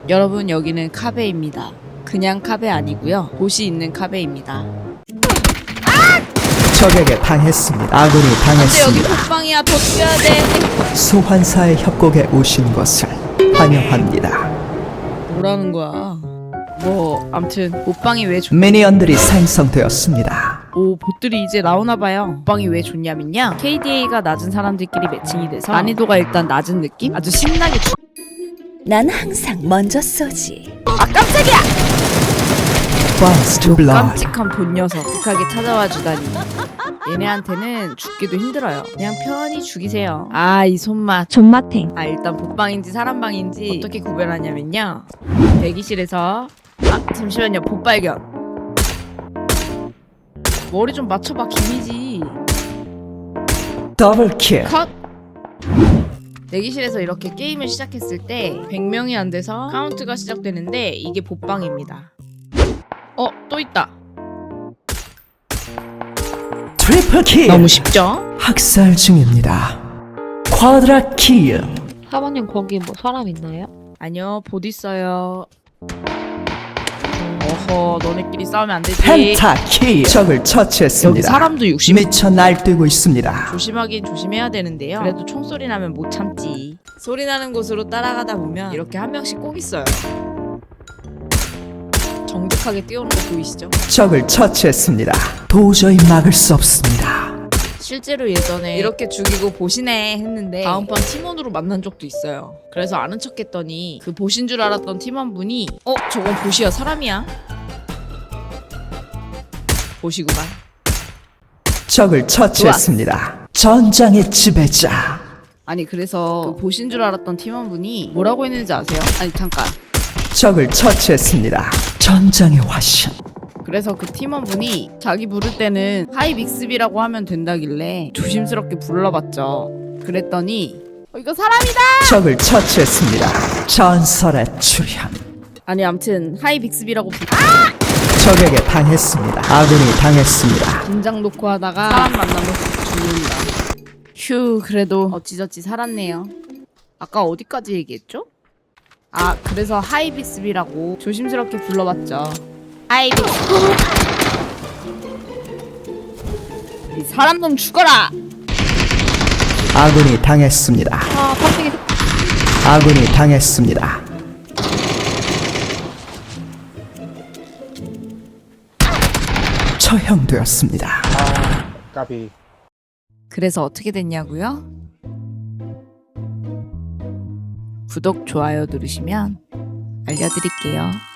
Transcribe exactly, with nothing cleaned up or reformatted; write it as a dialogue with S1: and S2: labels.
S1: 여러분, 여기는 카베입니다. 그냥 카베 아니고요, 곳이 있는 카베입니다.
S2: 적에게 당했습니다. 아군이
S1: 근데 여기
S2: 당했습니다.
S1: 독방이야. 더 뛰어야 돼.
S2: 소환사의 협곡에 오신 것을 환영합니다.
S1: 뭐라는 거야? 뭐 암튼 옷방이 왜 좋...
S2: 미니언들이 생성되었습니다.
S1: 오, 봇들이 이제 나오나봐요. 옷방이 왜 좋냐면요, 케이디에이가 낮은 사람들끼리 매칭이 돼서 난이도가 일단 낮은 느낌? 아주 신나게 주...
S3: 난 항상 먼저 쏘지.
S1: 아, 깜짝이야!
S2: First blood.
S1: 깜찍한 본 녀석 극하게 찾아와 주다니. 얘네한테는 죽기도 힘들어요. 그냥 편히 죽이세요. 아, 이 손맛.
S3: 존맛탱.
S1: 아, 일단 봇방인지 사람방인지 어떻게 구별하냐면요, 대기실에서 아, 잠시만요, 봇발견. 머리 좀 맞춰봐, 김이지.
S2: 더블킬.
S1: 컷! 대기실에서 이렇게 게임을 시작했을 때 백 명이 안 돼서 카운트가 시작되는데 이게 봇방입니다. 어, 또 있다.
S2: 트리플킬.
S1: 너무 쉽죠?
S2: 학살 중입니다. 쿼드라킬.
S4: 사모님 거기 뭐 사람 있나요?
S1: 아니요, 봇 있어요. 어허, 너네끼리 싸우면 안 되지.
S2: 펜타킬. 적을
S1: 여기
S2: 처치했습니다.
S1: 사람도 육십.
S2: 미쳐 날뛰고 있습니다.
S1: 조심하긴 조심해야 되는데요, 그래도 총소리 나면 못 참지. 소리 나는 곳으로 따라가다 보면 이렇게 한 명씩 꼭 있어요. 정직하게 뛰어오는 거 보이시죠?
S2: 적을 처치했습니다. 도저히 막을 수 없습니다.
S1: 실제로 예전에 이렇게 죽이고 보시네 했는데 다음번 팀원으로 만난 적도 있어요. 그래서 아는 척 했더니 그 보신 줄 알았던 팀원분이 어? 저건 보시야 사람이야? 보시구만.
S2: 적을 처치했습니다. 전장의 지배자.
S1: 아니, 그래서 그 보신 줄 알았던 팀원분이 뭐라고 했는지 아세요? 아니, 잠깐.
S2: 적을 처치했습니다. 전장의 화신.
S1: 그래서 그 팀원분이 자기 부를 때는 하이 빅스비라고 하면 된다길래 조심스럽게 불러봤죠. 그랬더니 어, 이거 사람이다!
S2: 적을 처치했습니다. 전설의 출현.
S1: 아니, 암튼 하이 빅스비라고 부...
S2: 적에게 당했습니다. 아군이 당했습니다.
S1: 긴장 놓고 하다가 사람 만나면 죽는다. 휴, 그래도 어찌저찌 살았네요. 아까 어디까지 얘기했죠? 아, 그래서 하이 빅스비라고 조심스럽게 불러봤죠. 하이 빅스비. 이 사람놈 죽어라!
S2: 아군이 당했습니다.
S4: 아 깜짝이.
S2: 아군이 당했습니다. 처형되었습니다.
S5: 까비.
S1: 그래서 어떻게 됐냐고요? 구독, 좋아요 누르시면 알려드릴게요.